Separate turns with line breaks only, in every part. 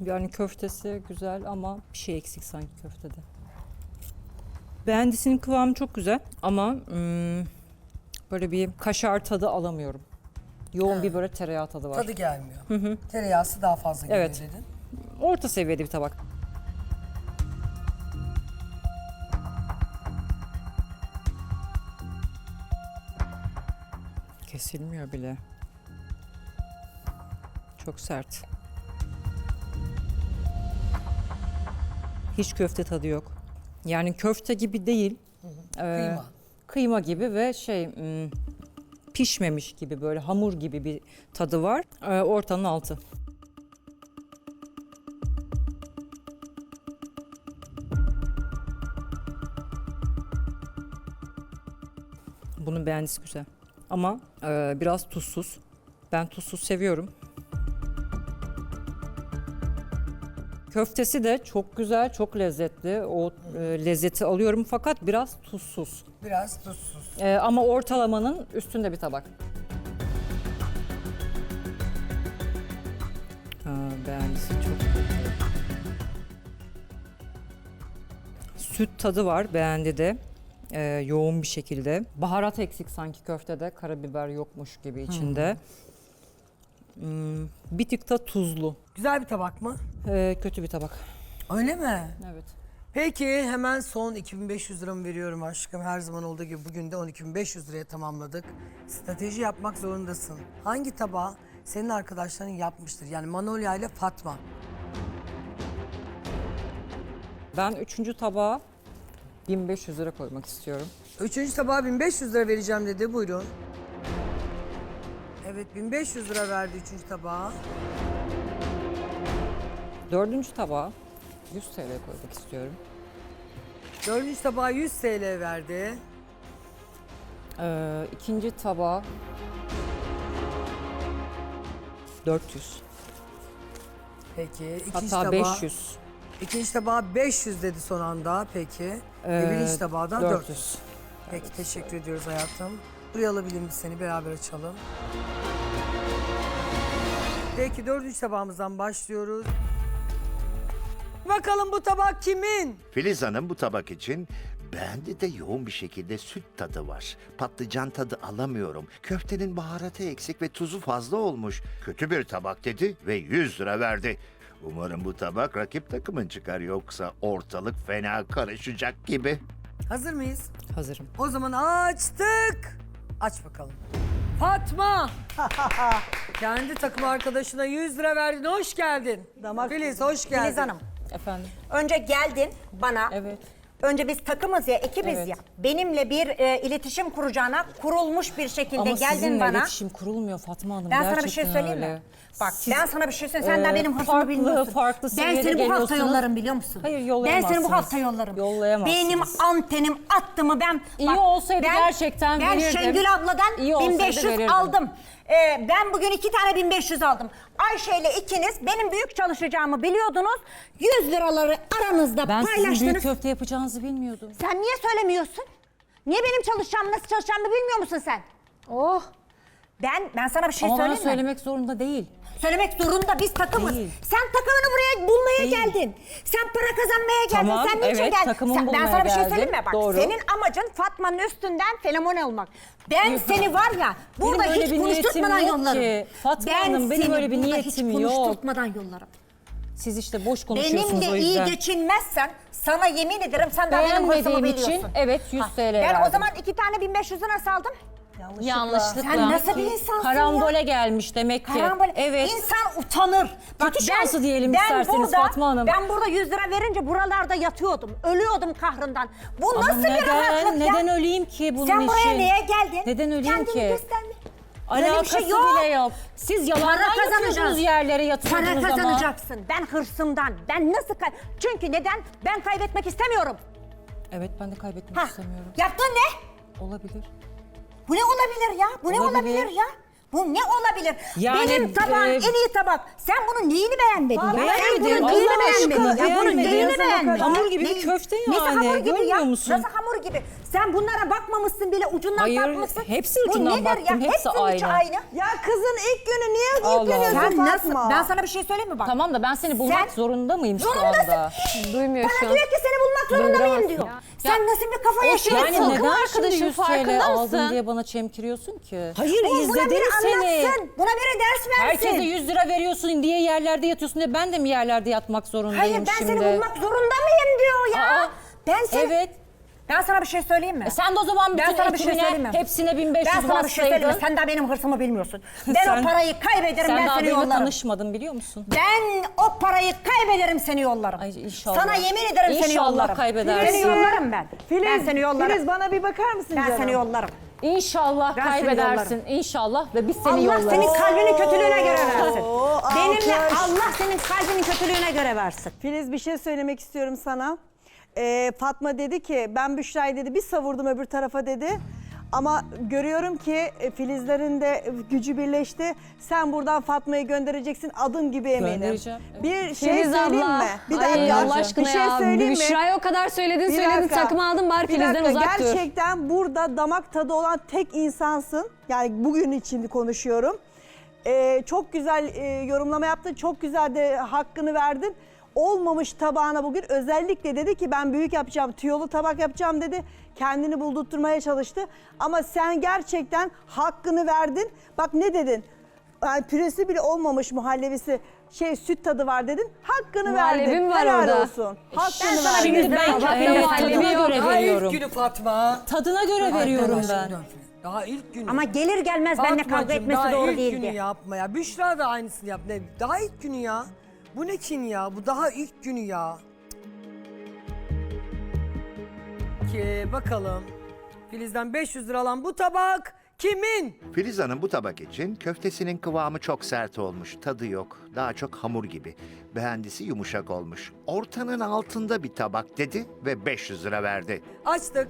Yani köftesi güzel ama bir şey eksik sanki köftede. Beğendisinin kıvamı çok güzel ama böyle bir kaşar tadı alamıyorum. Yoğun bir böyle tereyağı tadı var.
Tadı gelmiyor. Tereyağısı daha fazla geliyor
Evet.
dedin.
Orta seviyede bir tabak. Kesilmiyor bile. Çok sert. Hiç köfte tadı yok. Yani köfte gibi değil.
Kıyma.
Kıyma gibi ve pişmemiş gibi böyle hamur gibi bir tadı var. Ortanın altı. Bunun beğendisi güzel. Ama biraz tuzsuz. Ben tuzsuz seviyorum. Köftesi de çok güzel, çok lezzetli. O lezzeti alıyorum fakat biraz tuzsuz.
Biraz tuzsuz.
Ama ortalamanın üstünde bir tabak. Beğendisi çok kötü. Süt tadı var beğendi de. Yoğun bir şekilde. Baharat eksik sanki köftede. Karabiber yokmuş gibi içinde. Bir tık da tuzlu.
Güzel bir tabak mı?
Kötü bir tabak.
Öyle mi?
Evet.
Peki hemen son 2500 liramı veriyorum aşkım. Her zaman olduğu gibi bugün de 12.500 liraya tamamladık. Strateji yapmak zorundasın. Hangi tabağı senin arkadaşların yapmıştır? Yani Manolya ile Fatma.
Ben 3. tabağa 1500 lira koymak istiyorum.
Üçüncü tabağa 1500 lira vereceğim dedi. Buyurun. Evet 1500 lira verdi üçüncü tabağa.
4. tabağa 100 TL koymak istiyorum.
Dördüncü tabağa 100 TL verdi.
2. tabağa 400.
Peki ikinci
Hatta
tabağa...
500.
İkinci tabağa 500 dedi son anda. Peki. Ve birinci tabağa da 400. Peki teşekkür ediyoruz hayatım. Buraya alabilir miyiz seni? Beraber açalım. Peki dördüncü tabağımızdan başlıyoruz. Bakalım bu tabak kimin?
Filiz Hanım bu tabak için beğendi de yoğun bir şekilde süt tadı var. Patlıcan tadı alamıyorum. Köftenin baharatı eksik ve tuzu fazla olmuş. Kötü bir tabak dedi ve 100 lira verdi. Umarım bu tabak rakip takımın çıkar yoksa ortalık fena karışacak gibi.
Hazır mıyız?
Hazırım.
O zaman açtık. Aç bakalım. Fatma. Kendi takım arkadaşına 100 lira verdin. Hoş geldin. Filiz hoş geldin.
Filiz Hanım,
Efendim?
önce geldin bana.
Evet.
Önce biz takımız ya, ekibiz
Evet.
ya. Benimle bir iletişim kuracağına kurulmuş bir şekilde
Ama
geldin
sizinle
bana.
iletişim kurulmuyor Fatma Hanım.
Ben sana bir şey
Gerçekten
söyleyeyim
öyle.
mi? Bak
Siz,
ben sana bir şey söyleyeyim. Sen de benim hırsımı
farklı,
bilmiyorsun.
farklı
Ben
seviyede
seni bu hafta
geliyorsunuz.
yollarım biliyor musun?
Hayır,
Ben
yollayamazsınız.
seni bu hafta yollarım.
Yollayamazsınız.
Benim antenim attı mı ben...
İyi olsaydı gerçekten
ben
verirdim.
Şengül abladan
İyi olsaydı
1500
verirdim.
aldım. Ben bugün 2 tane 1500 aldım. Ayşe ile ikiniz benim büyük çalışacağımı biliyordunuz. 100 liraları aranızda
Ben sizin
paylaştınız.
büyük köfte yapacağınızı bilmiyordum.
Sen niye söylemiyorsun? Niye benim çalışacağımı, nasıl çalışacağımı bilmiyor musun sen? Oh! Ben sana bir şey
Ama bana
söyleyeyim mi?
söylemek zorunda değil.
Söylemek zorunda, biz takımız.
Değil.
Sen takımını buraya bulmaya
Değil.
geldin. Sen para kazanmaya geldin.
Tamam,
Sen niçin
evet,
geldin?
takımımı
Ben
bulmaya
sana bir şey
geldim.
söyleyeyim mi? Bak
Doğru.
senin amacın Fatma'nın üstünden fenomen olmak. Ben seni var ya burada
Benim öyle
hiç
bir
konuşturtmadan
niyetim yok
yollarım.
ki. Fatma Hanım, benim
seni
öyle bir
burada
niyetim
hiç
yok.
konuşturtmadan yollarım.
Siz işte boş konuşuyorsunuz
Benimle
o
iyi
yüzden.
geçinmezsen sana yemin ederim sen daha benim hırsımı
Beğenmediğim
biliyorsun.
için evet 100 TL
Ben
verdim.
o zaman 2 tane 1500 nasıl aldım?
Yanlışlıkla.
Sen nasıl bir insansın
Karambole
ya?
gelmiş demek ki.
Karambole.
Evet.
İnsan utanır.
Kötü şansı diyelim isterseniz Fatma Hanım.
Ben burada 100 lira verince buralarda yatıyordum. Ölüyordum kahrından. Bu
Ama
nasıl bir rahatlık ya?
neden öleyim ki bunun
Sen
için?
buraya niye geldin?
Neden öleyim
Kendini
ki?
gösterme. Böyle bir
Alakası
şey yok.
bile yok. Siz yalandan yatıyorsunuz yerlere yatıyordunuz
Para
ama.
kazanacaksın. Ben hırsımdan. Ben nasıl Çünkü neden? Ben kaybetmek istemiyorum.
Evet, ben de kaybetmek
Ha.
istemiyorum.
Yaptığın ne?
Olabilir.
Bu ne olabilir ya? Bu ne
Olabilir.
olabilir ya? Bu ne olabilir?
Yani,
Benim tabağım en iyi tabak. Sen bunun neyini beğenmedin ya? Sen
beğenmedim.
bunun neyini
Allah aşkına
beğenmedin? Ya bunun
beğenmedim.
neyini beğenmedin?
Hamur gibi bir köfte
Neyse
yani,
hamur gibi ya.
görmüyor musun?
Nasıl hamur gibi? Sen bunlara bakmamışsın bile, ucundan
Hayır,
bakmışsın.
hepsi
Bu
ucundan
nedir
baktım,
ya?
hepsi
Hepsinin içi
aynı.
aynı.
Ya kızın ilk günü niye
Allah
yükleniyorsun
Allah.
Sen
Fatma?
nasıl? Ben sana bir şey söyleyeyim mi bak?
Tamam da ben seni bulmak
Sen-
zorunda mıyım şu
Zorundasın.
anda?
Duymuyor şu
Bana
an.
diyor ki seni bulmak zorunda mıyım diyor. Sen nasıl bir kafa yaşıyorsun?
Yani
Sakın
neden şimdi
arkadaşım,
100 TL
farkında
aldın
mısın?
diye bana çemkiriyorsun ki? Hayır
Buna
izledim
biri
seni.
anlatsın. Buna biri ders versin.
Herkese 100 lira veriyorsun diye yerlerde yatıyorsun diye ben de mi yerlerde yatmak zorundayım
Hayır ben
şimdi?
seni bulmak zorunda mıyım diyor ya.
Aa,
Ben seni...
Evet.
Ben sana bir şey söyleyeyim mi?
Sen de o zaman
Ben
bütün
sana bir şey
ekibine
söyleyeyim mi?
hepsine 1500
Ben sana bir şey söyleyeyim mi?
bassaydın.
Sen daha benim hırsımı bilmiyorsun. Ben
Sen-
o parayı kaybederim,
Sen
ben
daha
seni
benimle
yollarım.
tanışmadın biliyor musun?
Ben o parayı kaybederim, seni yollarım.
Ay, inşallah.
Sana yemin ederim seni
İnşallah
yollarım.
kaybedersin.
Seni yollarım ben. ben seni yollarım.
Filiz bana bir bakar mısın
ben
canım?
seni yollarım.
İnşallah
Ben seni
kaybedersin. İnşallah ve biz seni
Allah
yollarız.
senin kalbinin kötülüğüne göre versin.
Oo,
Benimle
alkış.
Allah senin kalbinin kötülüğüne göre versin.
Filiz bir şey söylemek istiyorum sana. Fatma dedi ki ben Büşra'yı dedi bir savurdum öbür tarafa dedi. Ama görüyorum ki Filizlerin de gücü birleşti. Sen buradan Fatma'yı göndereceksin adım gibi eminim.
Göndereceğim, evet.
Bir şey
Filiz
söyleyeyim
abla.
mi? Bir
Ay,
dakika.
Allah aşkına
bir şey
ya.
söyleyeyim mi?
Büşra'ya o kadar söyledin
Bir
söyledin
dakika.
takımı aldın bari
Bir
Filiz'den
dakika,
uzak dur.
gerçekten burada damak tadı olan tek insansın. Yani bugün için konuşuyorum. Çok güzel yorumlama yaptın. Çok güzel de hakkını verdin. Olmamış tabağına bugün özellikle dedi ki ben büyük yapacağım, tüyolu tabak yapacağım dedi. Kendini buldurtturmaya çalıştı. Ama sen gerçekten hakkını verdin. Bak ne dedin? Yani püresi bile olmamış muhallebisi süt tadı var dedin. Hakkını
Muhallebim
verdin.
var
Helal
orada.
olsun. Hakkını
sana
verdin.
bir
Şimdi ben
Tabakta muhallebi
tadına
yok.
göre
Daha ilk
veriyorum.
günü Fatma.
Tadına göre veriyorum ben.
Arkadaşım dön. Daha ilk günü.
Ama gelir gelmez benimle kavga
Fatmacığım,
etmesi
daha
doğru
ilk
değildi.
günü yapma ya. Büşra da aynısını yap. Ne? Daha ilk günü ya. Bu ne kin ya? Bu daha ilk günü ya. Ki bakalım. Filiz'den 500 lira alan bu tabak kimin?
Filiz Hanım bu tabak için köftesinin kıvamı çok sert olmuş, tadı yok. Daha çok hamur gibi. Beğendisi yumuşak olmuş. Ortanın altında bir tabak dedi ve 500 lira verdi.
Açtık.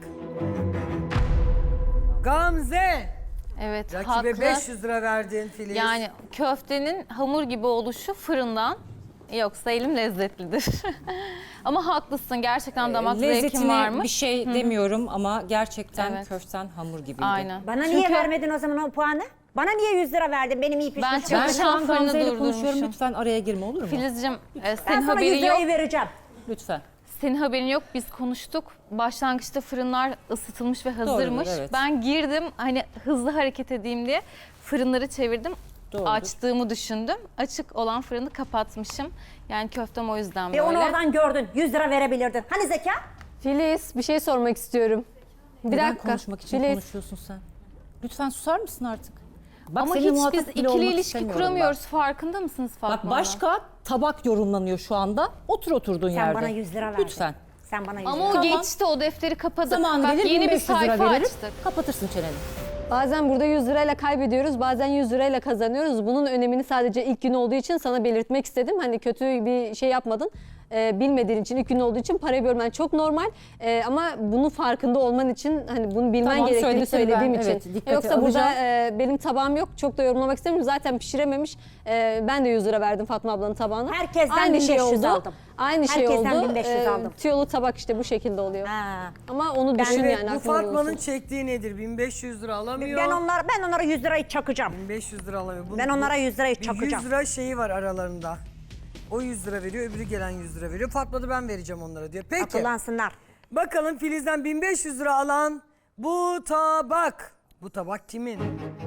Gamze.
Evet,
Rakibe
haklı.
500 lira verdin Filiz.
Yani köftenin hamur gibi oluşu fırından, yoksa elim lezzetlidir. Ama haklısın, gerçekten damak zevkim
Lezzetine
varmış.
bir şey demiyorum ama gerçekten
Evet.
köften hamur gibiydi.
Aynen.
Bana
Çünkü
niye vermedin o zaman o puanı? Bana niye 100 lira verdin benim iyi pişmiş?
Ben
Ben şu an
Çalışan fırını
Gamze ile konuşuyorum.
durdurmuşum.
Lütfen araya girme olur mu?
Filizciğim,
ben
senin
sana 100
haberin yok.
lirayı vereceğim.
Lütfen.
Senin haberin yok, biz konuştuk. Başlangıçta fırınlar ısıtılmış ve hazırmış.
evet.
Ben girdim, hani hızlı hareket edeyim diye fırınları çevirdim.
Doğrudur.
Açtığımı düşündüm. Açık olan fırını kapatmışım. Yani köftem o yüzden
Ve
böyle.
onu oradan gördün. 100 lira verebilirdin. Hani zeka?
Filiz bir şey sormak istiyorum. Bir
Neden
dakika.
konuşmak için
Filiz,
konuşuyorsun sen? Lütfen susar mısın artık? Bak,
Ama
seninle
hiç
muhatap
biz
bile
ikili
olmak
ilişki
istemiyorum
kuramıyoruz. Farkında mısınız
ben.
Fatma
Bak
Hanım?
başka tabak yorumlanıyor şu anda. Otur oturduğun
Sen
yerde.
bana 100 lira verdin.
Lütfen.
Sen bana 100
Ama
lira
o
Tamam.
geçti, o defteri kapadık.
Zaman
Bak
gelir
yeni bir
1500 lira
sayfa
veririz.
açtık.
Kapatırsın çeneni.
bazen burada 100 lirayla kaybediyoruz, bazen 100 lirayla kazanıyoruz. Bunun önemini sadece ilk gün olduğu için sana belirtmek istedim. Hani kötü bir şey yapmadın. Bilmediğin için, ilk gün olduğu için parayı bölmen çok normal. Ama bunun farkında olman için, hani bunu bilmen
Tamam,
gerektiğini
söyledikleri
söylediğim
ben,
için.
evet, dikkate
Yoksa burada
alacağım.
benim tabağım yok. Çok da yorumlamak istemiyorum. Zaten pişirememiş. Ben de 100 lira verdim Fatma ablanın tabağına.
Herkesten 1500 aldım.
Aynı şey
Herkesten
oldu.
1500 aldım.
Tüyolu tabak işte bu şekilde oluyor.
Ha.
Ama onu düşün
Evet,
yani.
bu
aklında
Fatma'nın
bulunsun.
çektiği nedir? 1500 lira alamıyor.
Ben onlara 100 lirayı çakacağım.
1500 lira alamıyor.
Ben onlara 100 lirayı
bir
çakacağım.
100 lira şeyi var aralarında. O 100 lira veriyor, öbürü gelen 100 lira veriyor. Fatma da ben vereceğim onlara diyor. Peki.
Akıllansınlar.
Bakalım Filiz'den 1500 lira alan bu tabak. Bu tabak kimin?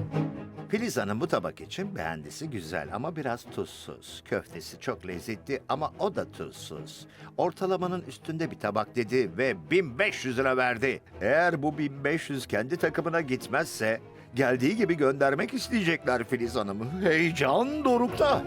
Filiz Hanım bu tabak için beğendisi güzel ama biraz tuzsuz. Köftesi çok lezzetli ama o da tuzsuz. Ortalamanın üstünde bir tabak dedi ve 1500 lira verdi. Eğer bu 1500 kendi takımına gitmezse geldiği gibi göndermek isteyecekler Filiz Hanım'ı. Heyecan dorukta.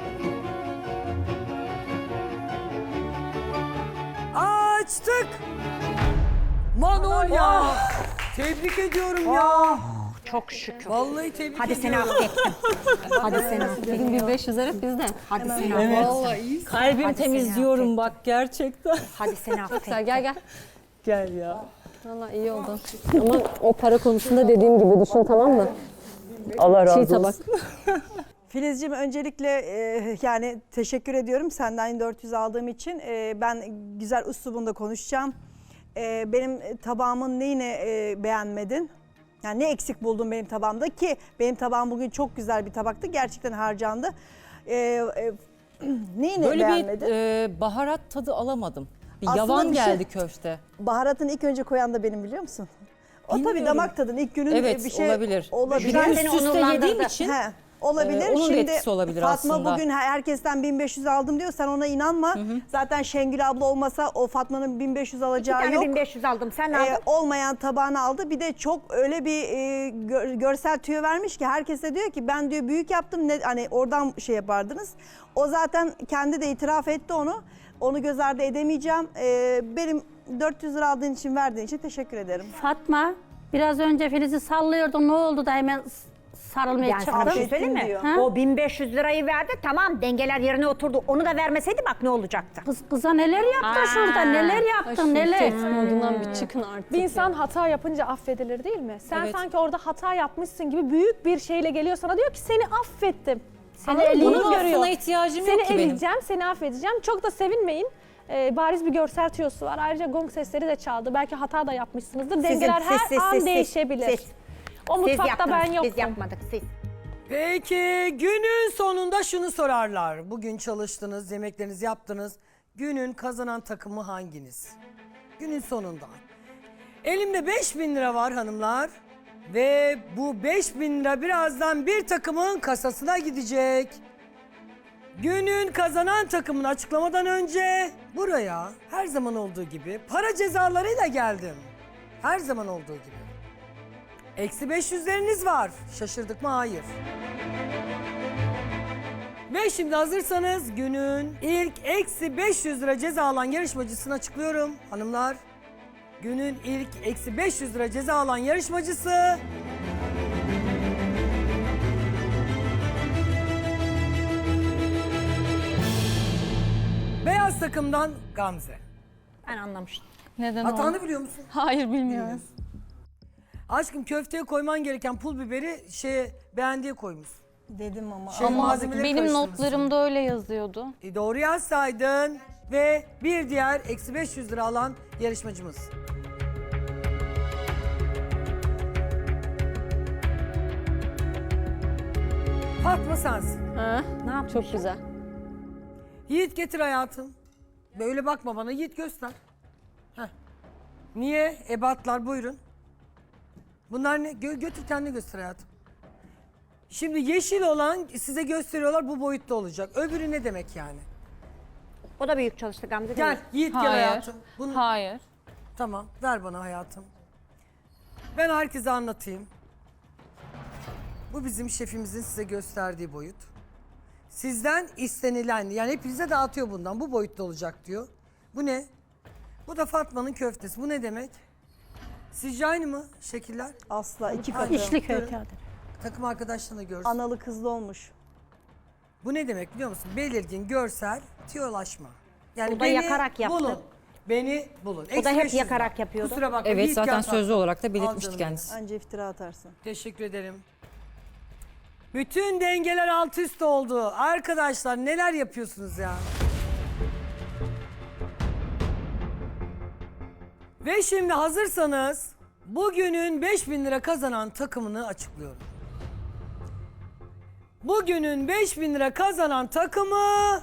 Açtık. Manolya. Tebrik ediyorum ya.
Çok şükür.
Vallahi tebrik
Hadi seni
ediyorum.
affettim. Hadi seni affettim.
Bugün 1500 lira bizde.
Hadi seni affettim.
Kalbim
Hadi
temiz
seni
diyorum bak gerçekten.
Hadi seni affettim.
Güzel, gel.
Gel ya.
Valla iyi oldu. Ama o para konusunda dediğim gibi düşün, tamam mı?
Allah razı
Çiğ
olsun.
tabak.
Filizciğim öncelikle yani teşekkür ediyorum senden 400 aldığım için. Ben güzel üslubunda konuşacağım. Benim tabağımın neyini beğenmedin? Yani ne eksik buldun benim tabağımda ki benim tabağım bugün çok güzel bir tabaktı. Gerçekten harcandı. Neyini
Böyle
beğenmedin?
bir baharat tadı alamadım. Bir
Aslında
yavan
bir şey-
geldi köfte.
Baharatını ilk önce koyan da benim, biliyor musun? O tabii
Bilmiyorum.
damak tadın ilk günün
Evet,
bir şey
olabilir.
olabilir.
Bir de
Seni
üst üste
onurlandırdı.
yediğim için
He, olabilir.
onun da
Şimdi
etkisi olabilir
Fatma
aslında.
bugün herkesten 1500 aldım diyor. Sen ona inanma. Zaten Şengül abla olmasa o Fatma'nın 1500
İki
alacağı
tane
yok.
1500 aldım. Sen ne aldın?
Olmayan tabağını aldı. Bir de çok öyle bir görsel tüyo vermiş ki herkese diyor ki ben diyor büyük yaptım. Hani oradan şey yapardınız. O zaten kendi de itiraf etti onu. Onu göz ardı edemeyeceğim. Benim 400 lira aldığın için, verdiğin için teşekkür ederim.
Fatma, biraz önce Filiz'i sallıyordun, ne oldu da hemen sarılmaya
Yani sana bir şey
çıktın?
söyleyeyim mi?
diyor.
Ha?
O 1500 lirayı verdi, tamam, dengeler yerine oturdu. Onu da vermeseydi bak ne olacaktı.
Kıza neler yaptın
Aa.
şurada, neler
Ay,
yaptın,
şu
neler?
tehdit modundan bir çıkın artık.
Bir insan hata yapınca affedilir değil mi? Sen
Evet.
sanki orada hata yapmışsın gibi büyük bir şeyle geliyor sana, diyor ki seni affettim.
Seni
Anladın mı?
eleyip
Bunu
Bunun
görüyor.
affına ihtiyacım
Seni
yok ki benim.
eleyeceğim, seni affedeceğim. Çok da sevinmeyin. Bariz bir görsel tüyosu var. Ayrıca gong sesleri de çaldı. Belki hata da yapmışsınızdır. Dengeler her an değişebilir. O
Siz
mutfakta
yaptınız,
ben yoktum.
biz yapmadık, siz.
Peki günün sonunda şunu sorarlar. Bugün çalıştınız, yemeklerinizi yaptınız. Günün kazanan takımı hanginiz? Günün sonunda. Elimde 5000 lira var hanımlar. Ve bu 5000 lira birazdan bir takımın kasasına gidecek. Günün kazanan takımını açıklamadan önce buraya her zaman olduğu gibi para cezalarıyla geldim. Her zaman olduğu gibi. Eksi 500'leriniz var. Şaşırdık mı? Hayır. Ve şimdi hazırsanız günün ilk eksi 500 lira ceza alan yarışmacısını açıklıyorum hanımlar. Günün ilk eksi 500 lira ceza alan yarışmacısı... Beyaz takımdan Gamze.
Ben anlamıştım.
Neden
Hatanı biliyor musun?
Hayır, bilmiyorum.
Aşkım köfteye koyman gereken pul biberi beğendiğe koymuş.
Dedim ama.
Şey,
Ama
malzemeleri
benim
karıştırmışsın.
notlarımda öyle yazıyordu.
Doğru yazsaydın ve bir diğer eksi 500 lira alan yarışmacımız. Fatma sensin.
Ha?
Ne yapmış?
Çok güzel.
Yiğit getir hayatım. Böyle bakma bana, Yiğit göster. Heh. Niye? Ebatlar buyurun. Bunlar ne? Götür kendine göster hayatım. Şimdi yeşil olan size gösteriyorlar, bu boyutta olacak. Öbürü ne demek yani?
O da büyük çalıştı Gamze, değil
Gel
mi?
Yiğit gel
Hayır.
hayatım. Bunu...
Hayır.
Tamam, ver bana hayatım. Ben herkese anlatayım. Bu bizim şefimizin size gösterdiği boyut. Sizden istenilen, yani hepinize dağıtıyor bundan. Bu boyutta olacak diyor. Bu ne? Bu da Fatma'nın köftesi. Bu ne demek? Sizce aynı mı şekiller?
Asla, iki
Aynı.
katı.
İçli
Buyurun.
köfte.
Takım arkadaşlarına görsün.
Analı kızlı olmuş.
Bu ne demek biliyor musun? Belirgin, görsel, tiyolaşma. Yani
O da yakarak yaptı.
bulun. Beni bulun.
O da hep
Eksi 500
yakarak
lira.
yapıyordu.
Kusura bakma.
Evet,
Yiğit
zaten
gel
sözlü
tatlım.
olarak da
Al
belirtmişti
canım
kendisi.
Anca iftira atarsın.
Teşekkür ederim. Bütün dengeler alt üst oldu. Arkadaşlar neler yapıyorsunuz ya? Ve şimdi hazırsanız bugünün 5000 lira kazanan takımını açıklıyorum. Bugünün 5000 lira kazanan takımı...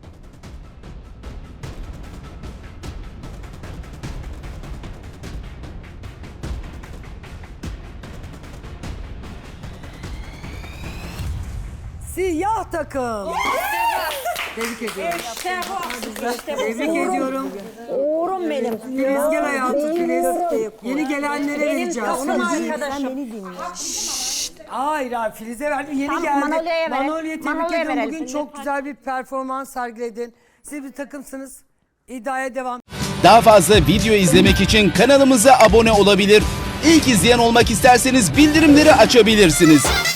Siyah takım. Tebrik ediyorum. Tebrik ediyorum.
Uğurum benim.
Filiz gel hayatım Filiz. Yeni gelenlere vereceğiz.
Onun
Filiz'i-
arkadaşım.
Hayır abi Filiz'e verdim. Yeni
Tamam,
geldi.
Manolya'ya verelim.
Manolya'ya tebrik
Manolya'ya
ediyorum.
verelim.
Bugün çok güzel bir performans sergiledin. Siz bir takımsınız. İddiaya devam.
Daha fazla video izlemek için kanalımıza abone olabilir. İlk izleyen olmak isterseniz bildirimleri açabilirsiniz.